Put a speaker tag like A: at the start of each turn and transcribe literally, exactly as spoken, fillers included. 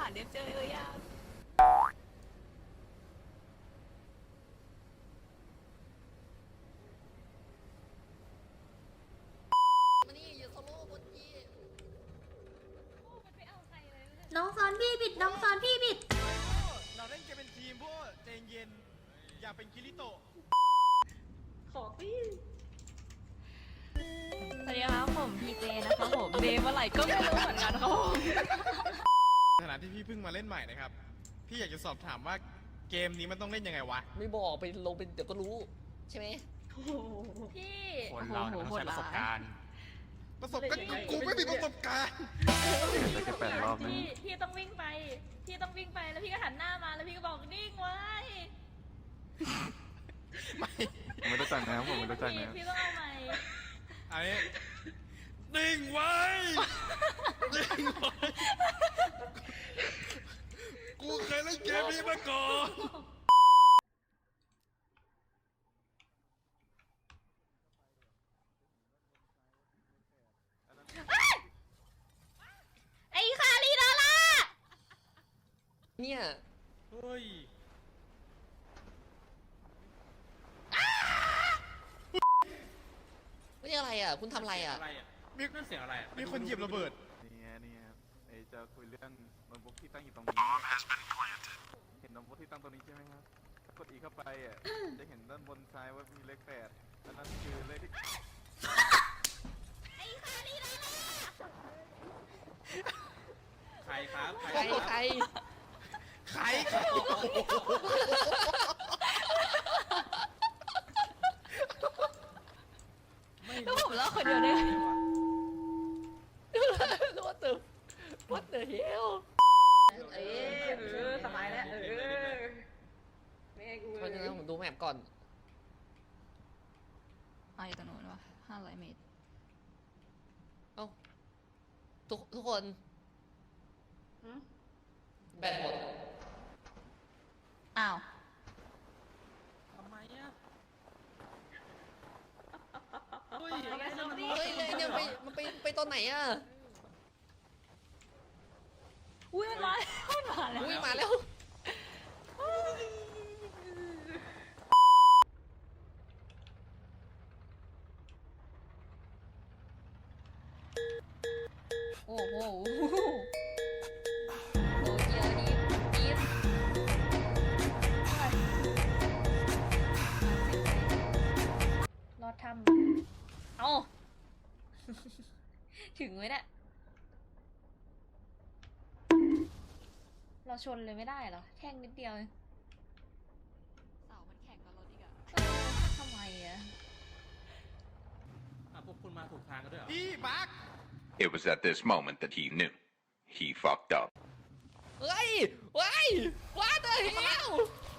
A: เด็บเจอเลยอ่ะ
B: มานี่อย่าโซโล่บนยี
C: น้องซ้อนพี่บิดน้องซ้อนพี่บิด
D: เราเล่นเกมเป็นทีมพวกใจเย็นอย่าเป็นคิริโตะ
A: ขอพี่สวัสดีครับผมพีเจนะครับผมเดย์เมื่อไหร่ก็ไม่รู้เหมือนกันครับผม
D: ในฐานะที่พี่เพิ่งมาเล่นใหม่นะครับพี่อยากจะสอบถามว่าเกมนี้มันต้องเล่นยังไงวะ
B: ไม่บอกไปลงเป็นเดี๋ยวก็รู้ใช่ไหม
A: พี่
D: คนเราเนี่ยมันต้องใช้ประสบการณ์ประสบการณ์กูไม่มีประสบการณ์
E: ได้แค่แปดรอบนะ
A: พี่พี่ต้องวิ่งไปพี่ต้องวิ่งไปแล้วพี่ก็หันหน้ามาแล้วพี่ก็บอกนิ่งไว้
D: ไม่
E: ผมไม่รู้จักนะครับผมไม่รู้จัก
A: พี่
E: นะ
A: พี่ต้องเอาใหม่
D: อันนี้นิ่งไว้นิ่งไว้กูเคยเล่นเกมนี้มาก่อน
A: ไอ้คาริดาล่า
B: เนี่ย
D: เฮ้ย
B: ไม่ใช่อะไรอ่ะคุณทำอะไรอ่ะ
D: อะไรอ่ะมีนั่นเสียงอะไรมีคนเหยียบระเบิด
E: นี่ไงนี่ครับไอจะคุยเรื่องโน้ตบุ๊กที่ตั้งอยู่ตรงนี้เห็นโน้ตบุ๊กที่ตั้งตรงนี้ใช่ไหมครับถ้ากดอีเข้าไปอ่ะจะเห็นด้านบนซ้ายว่ามีเลขแปดอันนั้นคือเลขที่
A: ไอ้คาริดาล่า
D: ใครครับ
B: ใครใคร
D: ใครครับ
A: แล้วผมเล่าคนเดียวได้ไง
B: What the What the hell
A: เออเออสบายแล้วเออไม่ให้กู
B: เพราะฉะนั้นผมดูแมปก่อน
A: อ๋ออยู่ตรงนู้นวะห้าร้อยเมตร
B: เอ้าทุกทุกคนแบตหมด
A: อ้าว
D: ทำไมอ่ะ
A: เฮ้ยไงซอมบี้
B: เฮ้ยเลยเนี่ยไปมันไปไปตอนไหนอ่ะ
A: อุ้ยมันมามันมาแล้ว
B: อุ้ยมาแล้ว
A: โอ้โหโอ้เดี๋ยวนี้จี๊ดรอดทำเอา ถึงไหมเนี่ยเราชนเลยไม่ได้เหรอแท่งนิดเดียวเอง
F: เสามันแข่งกับรถอีกอะ
A: เออทำไมอะ
D: พวกคุณมาถูกทางกันด้วยเหรอพี่บัก
G: It was at this moment that he knew. He fucked up.
B: เฮ้ยเฮ้ย What the hell